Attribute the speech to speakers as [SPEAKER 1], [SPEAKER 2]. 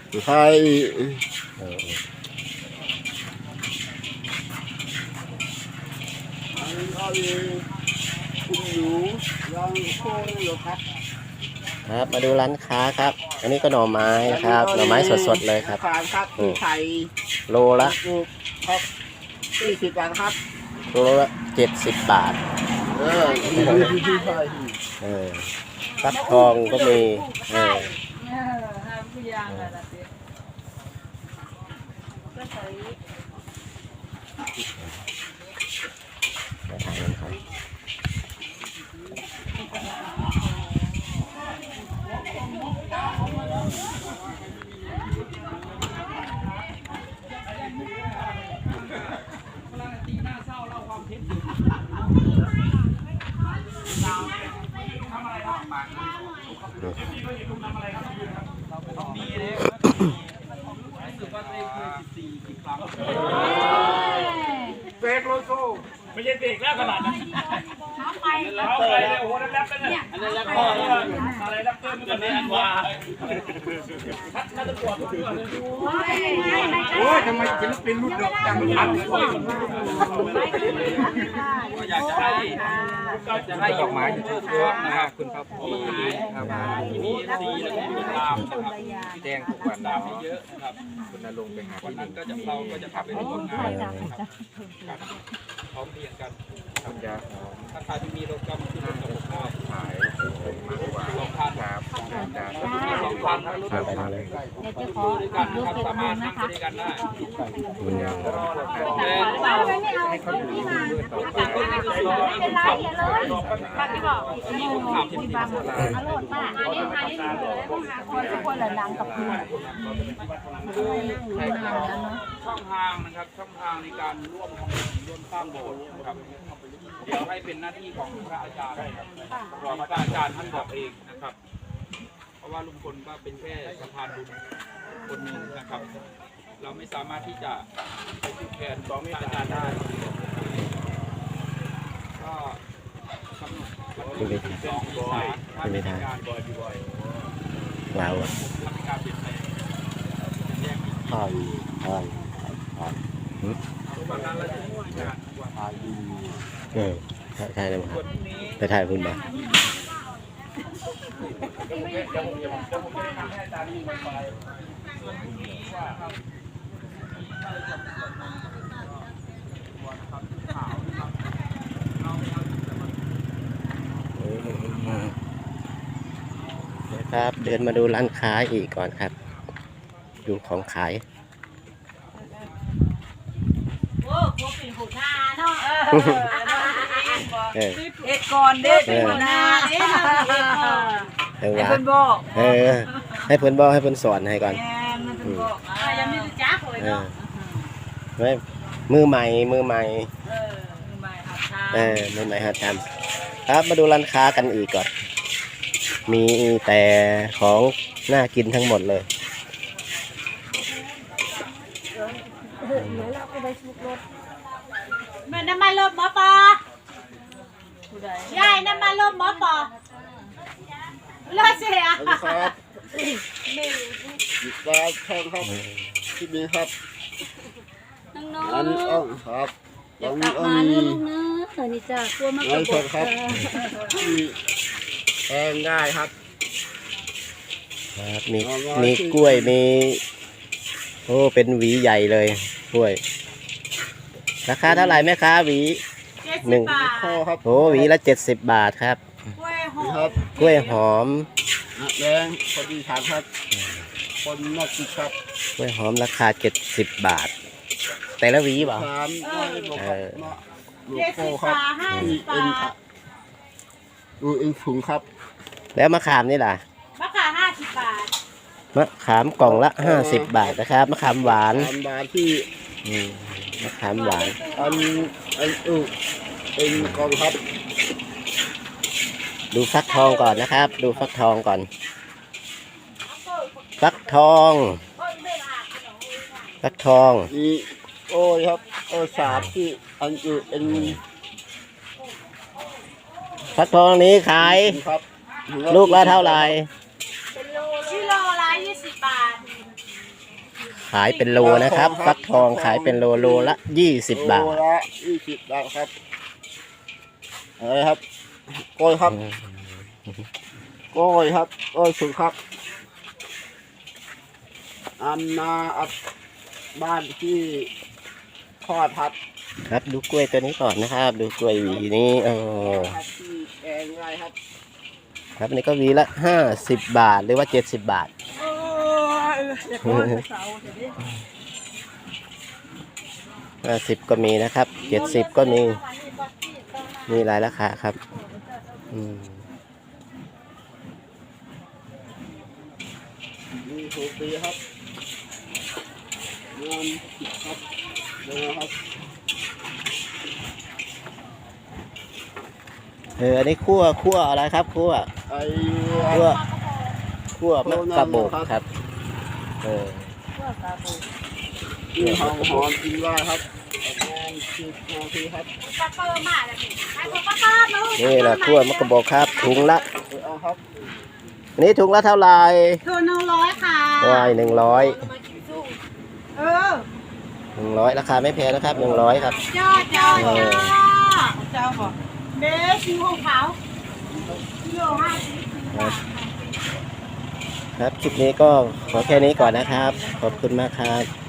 [SPEAKER 1] ใช่
[SPEAKER 2] ครับมาดูร้านค้าครับอันนี้ก็หน่อไม้ครับหน่อไม้สดๆเลยครับ
[SPEAKER 1] ไข่
[SPEAKER 2] โลละ
[SPEAKER 1] ครับ40 บาทครับ
[SPEAKER 2] โลละ70 บาทฟักทองก็มี
[SPEAKER 3] เบรกโลโซไม่ใช่เบรกแล้วขนาดนั้นแล้วไปเลยโอ้โหนั่นแรปเป็นเนี่ยอันนั้นแรปพ่ออะไรแรปเตอร์มันก็เนี่ยอันว่าถ้าจะปวดตัวเลยโอ้ยทำไมศิลปินรุ่นเดียวจังอัดอยากจะให้ดอกไม้อยู่ทุกช่วงนะครับคุณครับมีสีแล้วก็มีตามนะครับแดงทุกวันดาวเยอะนะครับคุณนรงค์ไปหาที่หนึ่งก็จะเราก็จะขับไปร่วมงานนะครับพร้อมเรียงกันทำยาถ้าใครที่มีรถก็มาขึ้นรถกับผมก็ขายมากกว่า2,000ครับ2,000ทั้งรถไปเลยด้วยกันนะครับสามารถนั่งไปด้วยกันได้ให้เขาอยู่ที่มืดต่อไปขับที่บอกขับที่บ้านอร่อยมากอันนี้คนทุกคนละดังกับเพื่อนช่องทางนะครับช่องทางในการร่วมทำบุญร่วมสร้างโบสถ์นะครับเดี๋ยวให้เป็นหน้าที่ของพระอาจารย์รอพระอาจารย์ท่านบอกเองนะครับเพราะว่าลุงพลก็เป็นแค่สะพานบุญคนหนึ่งนะครับเราไม่สามารถที่จะไปผูกแขนพระอาจารย์ได้ก็กำหนดวันที่12 เมษายนถ้ามีการบ่อยๆ
[SPEAKER 2] เรา
[SPEAKER 3] ทำการเปลี่ยนแปลงแยกอีก
[SPEAKER 2] อ่อน
[SPEAKER 3] วันนั้นเราจะช่วยงานกว่า
[SPEAKER 2] ใช่เลยครับไปถ่ายคุณมาครับเดินมาดูร้านค้าอีกก่อนครับดูของขาย
[SPEAKER 4] เอ็ดก่อนเด็กหัวหน้าให้เพิ่นบอก
[SPEAKER 2] ให้เพิ่นบอกให้เพิ่นสอนให้ก่อน
[SPEAKER 4] ยังไม่รู้จักเลยเนาะ
[SPEAKER 2] ไม่มือใหม่
[SPEAKER 4] มือใหม่
[SPEAKER 2] หัดทำครับมาดูร้านค้ากันอีกก่อนมีแต่ของน่ากินทั้งหมดเลย
[SPEAKER 4] แม่น้ำมันลมหมอปอยายน้ำมันลมหมอปอรถเสีย
[SPEAKER 1] ครับปลาทองครับที่นี่ครับอันนี้อ้อครับ
[SPEAKER 4] อยากกลับมาเนื้อลูกเนื้อนี่จ้ะกลัวมากกว่า
[SPEAKER 1] ครับแพงได้ครับ
[SPEAKER 2] มีกล้วยมีโอ้เป็นหวีใหญ่เลยกล้วยราคาเท่าไหร่แม่ค้าหวี1โอ้หวีละ70 บาทครับกล้วยหอม
[SPEAKER 1] แดงพอดีทานครับคนนอกกินครับ
[SPEAKER 2] กล้วยหอมราคา70 บาทแต่ละหวีบ่
[SPEAKER 1] ลูกโก้ครับดูเอ็นถุงครับ
[SPEAKER 2] แล้วมะขามนี่ล่ะ
[SPEAKER 4] มะขาม50 บาท
[SPEAKER 2] มะขามกล่องละ50 บาทนะครับมะขามหวาน
[SPEAKER 1] ที่
[SPEAKER 2] มะขามหวาน
[SPEAKER 1] อันเป็นกล่องครับ
[SPEAKER 2] ดูฟักทองก่อนนะครับดูฟักทองก่อนฟักทอง
[SPEAKER 1] นี่โอ้ยครับสาบที่อันอยู่เป็น
[SPEAKER 2] ฟักทองนี้ขายลูกละเท่าไหร่
[SPEAKER 4] กิโลละ20 บาท
[SPEAKER 2] ขายเป็นโลนะครับฟักทองขายเป็นโลโลละ20 บาท
[SPEAKER 1] โลละ20 บาทครับอะไรครับกล้วยครับกล้วยครับกล้วยสุกครับอันนาอัดบ้านที่ทอดครับ
[SPEAKER 2] ครับดูกล้วยตัวนี้ก่อนนะครับ ดูกล้วยหวีนี้
[SPEAKER 1] ครับที่แกงไรครับ
[SPEAKER 2] ครับอันนี้ก็หวีละ50 บาทหรือว่า70 บาท 50 ก็มีนะครับ70 ก็มีหลายราคาครับ
[SPEAKER 1] มีถูกดีครับเงินครับเงินครับ
[SPEAKER 2] อันนี้คั่วอะไรครับคั่ว
[SPEAKER 1] ไอ้
[SPEAKER 2] คั่วมะกะโบกครับ
[SPEAKER 1] ที่หอมกินได้ครับประมาณ10 นาทีครับ
[SPEAKER 4] ปลาเปิร์มาแล้วนี่ไอ้ปลาเปิร์นู้น
[SPEAKER 2] นี่แหละคั่วมะกะโบกครับถุงละ
[SPEAKER 1] เอาครับ
[SPEAKER 2] อันนี้ถุงละเท่าไหร่
[SPEAKER 4] คือ100ค่ะ
[SPEAKER 2] ว้าย100
[SPEAKER 4] เออ
[SPEAKER 2] 100ราคาไม่แพงนะครับ100ครับ
[SPEAKER 4] จ้าเจ้าบอกเด็กชิวของเขากิโล50
[SPEAKER 2] ครับคลิปนี้ก็ขอแค่นี้ก่อนนะครับขอบคุณมากครับ